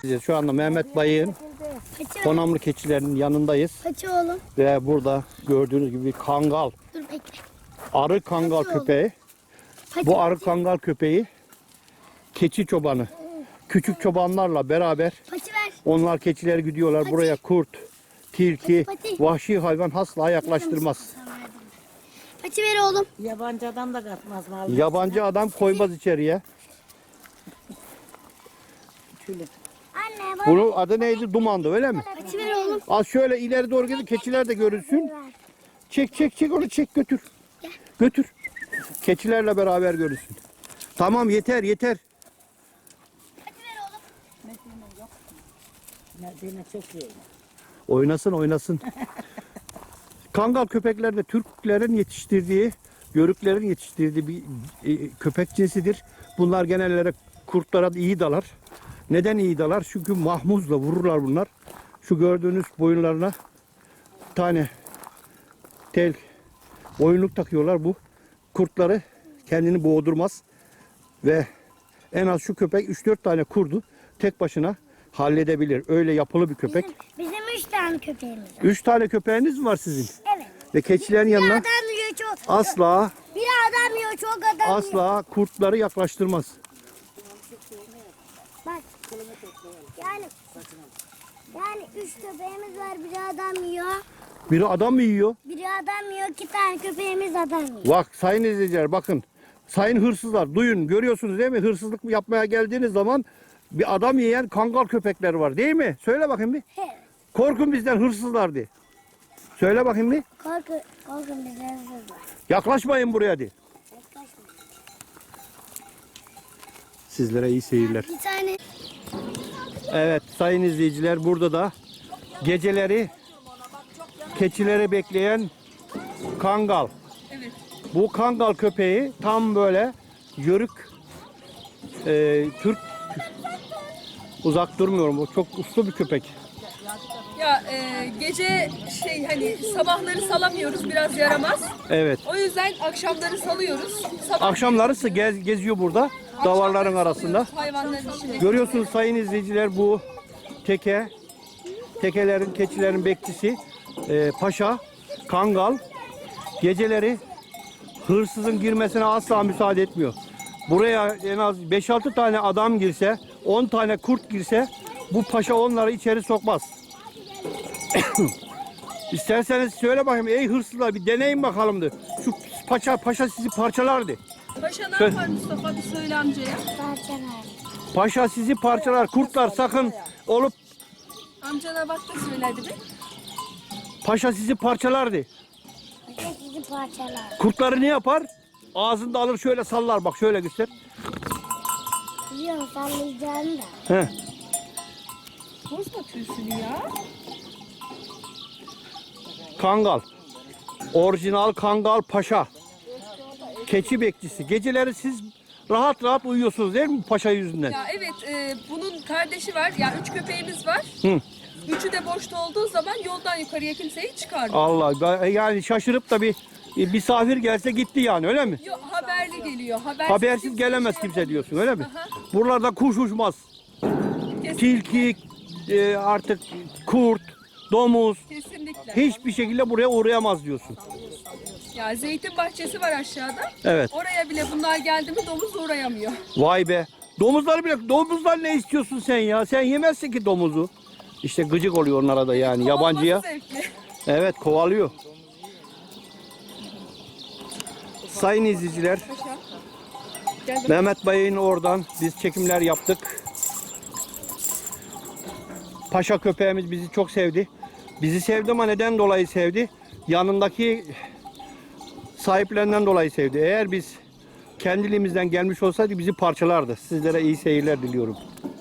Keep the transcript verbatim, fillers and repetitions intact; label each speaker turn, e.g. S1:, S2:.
S1: Şu anda Mehmet Bayık'ın Konamlı keçilerinin yanındayız.
S2: Paça oğlum.
S1: Ve burada gördüğünüz gibi bir kangal.
S2: Dur bekle.
S1: Arı kangal
S2: Paça
S1: köpeği.
S2: Paça,
S1: Bu arı
S2: paça.
S1: kangal köpeği keçi çobanı. Küçük çobanlarla beraber
S2: Paça ver.
S1: onlar keçileri gidiyorlar.
S2: Paça.
S1: Buraya kurt, tilki,
S2: Paça, paça.
S1: vahşi hayvan asla yaklaştırmaz.
S2: Paça ver oğlum.
S3: Yabancı adam da katmaz mı?
S1: Yabancı adam koymaz içeriye.
S2: Anne bana
S1: Bunun adı neydi? Dumandı, öyle mi?
S2: paça ver oğlum.
S1: Az şöyle ileri doğru gidin, keçiler de görünsün. Çek çek çek onu, çek götür. Götür. Keçilerle beraber görünsün. Tamam, yeter yeter.
S2: Paça ver oğlum.
S3: Medine çok iyi.
S1: Oynasın oynasın. Kangal köpekler de Türklerin yetiştirdiği, Yörüklerin yetiştirdiği bir e, köpek cinsidir. Bunlar genellere kurtlara da iyi dalar. Neden iyi dalar? Çünkü mahmuzla vururlar bunlar. Şu gördüğünüz boyunlarına bir tane tel boyunluk takıyorlar. Bu kurtları kendini boğdurmaz. Ve en az şu köpek üç dört tane kurdu tek başına halledebilir. Öyle yapılı bir köpek.
S2: Bizim, bizim üç tane köpeğimiz var.
S1: Üç tane köpeğiniz mi var sizin?
S2: Evet.
S1: Ve keçilerin
S2: Bir
S1: yanına
S2: adam yiyor çok.
S1: asla
S2: Bir adam yiyor çok adam yiyor.
S1: asla kurtları yaklaştırmaz.
S2: Bak. Yani. Yani üç köpeğimiz var. Biri adam yiyor.
S1: Biri adam mı yiyor?
S2: Biri adam yiyor. İki tane köpeğimiz adam yiyor.
S1: Bak sayın izleyiciler, bakın. Sayın hırsızlar, duyun, görüyorsunuz değil mi? Hırsızlık yapmaya geldiğiniz zaman bir adam yiyen kangal köpekler var değil mi? Söyle bakayım bir.
S2: Evet.
S1: Korkun bizden hırsızlar de. Söyle bakayım bir.
S2: Korkun, korkun bizden hırsız var.
S1: Yaklaşmayın buraya de.
S2: Yaklaşma.
S1: Sizlere iyi seyirler.
S2: Bir tane.
S1: Evet sayın izleyiciler, burada da geceleri keçileri bekleyen kangal.
S4: Evet.
S1: Bu kangal köpeği tam böyle yörük e, Türk, uzak durmuyorum. O çok uslu bir köpek.
S4: Ya e, gece şey hani sabahları salamıyoruz, biraz yaramaz.
S1: Evet.
S4: O yüzden akşamları salıyoruz. Sabah
S1: Akşamları gez, geziyor burada davarların arasında.
S4: salıyoruz hayvanların içinde.
S1: Görüyorsunuz sayın izleyiciler, bu teke, tekelerin, keçilerin bekçisi e, paşa, kangal geceleri hırsızın girmesine asla müsaade etmiyor. Buraya en az beş altı tane adam girse, on tane kurt girse bu paşa onları içeri sokmaz. İsterseniz söyle bakayım, ey hırsızlar bir deneyin bakalım de. Şu paşa paşa sizi parçalardı.
S4: Paşa ne
S1: Söyle.
S4: yapar Mustafa, bir söyle amcaya.
S2: Parçalar.
S1: Paşa sizi parçalar. Kurtlar sakın olup
S4: Amcana bak da söylerdi bir.
S1: paşa sizi parçalardı.
S2: Paça sizi parçalar.
S1: Kurtları ne yapar? Ağzında alır şöyle sallar, bak şöyle göster.
S2: Biliyorum sallayacağını da.
S1: Heh.
S4: Bozma tüysünü ya.
S1: Kangal. Orijinal kangal paşa. Keçi bekçisi. Geceleri siz rahat rahat uyuyorsunuz değil mi paşa yüzünden?
S4: Ya evet, e, bunun kardeşi var. Ya üç köpeğimiz var.
S1: Hı.
S4: Üçü de boşta olduğu zaman yoldan yukarıya kimseyi çıkarmıyor.
S1: Allah, ben- yani şaşırıp da bir bir misafir gelse gitti yani, öyle mi?
S4: Yok, haberli geliyor. Habersiz,
S1: Habersiz
S4: kimse
S1: gelemez
S4: şey
S1: kimse
S4: yapamıyor.
S1: diyorsun, öyle mi?
S4: Aha,
S1: Buralarda kuş uçmaz.
S4: kesin-
S1: Tilki, e, artık kurt, domuz
S4: Kesinlikle.
S1: hiçbir şekilde buraya uğrayamaz diyorsun.
S4: Ya zeytin bahçesi var aşağıda.
S1: Evet.
S4: Oraya bile bunlar geldi mi domuz uğrayamıyor.
S1: Vay be. Domuzları bile, domuzlar ne istiyorsun sen ya? Sen yemezsin ki domuzu. İşte gıcık oluyor onlara da yani yabancıya.
S4: Olması zevkli.
S1: Evet, kovalıyor. Sayın izleyiciler,
S4: Paşa. Gel de-
S1: Mehmet Bayık'ın oradan biz çekimler yaptık. Paşa köpeğimiz bizi çok sevdi. Bizi sevdi ama neden dolayı sevdi? Yanındaki sahiplerinden dolayı sevdi. Eğer biz kendiliğimizden gelmiş olsaydı bizi parçalardı. Sizlere iyi seyirler diliyorum.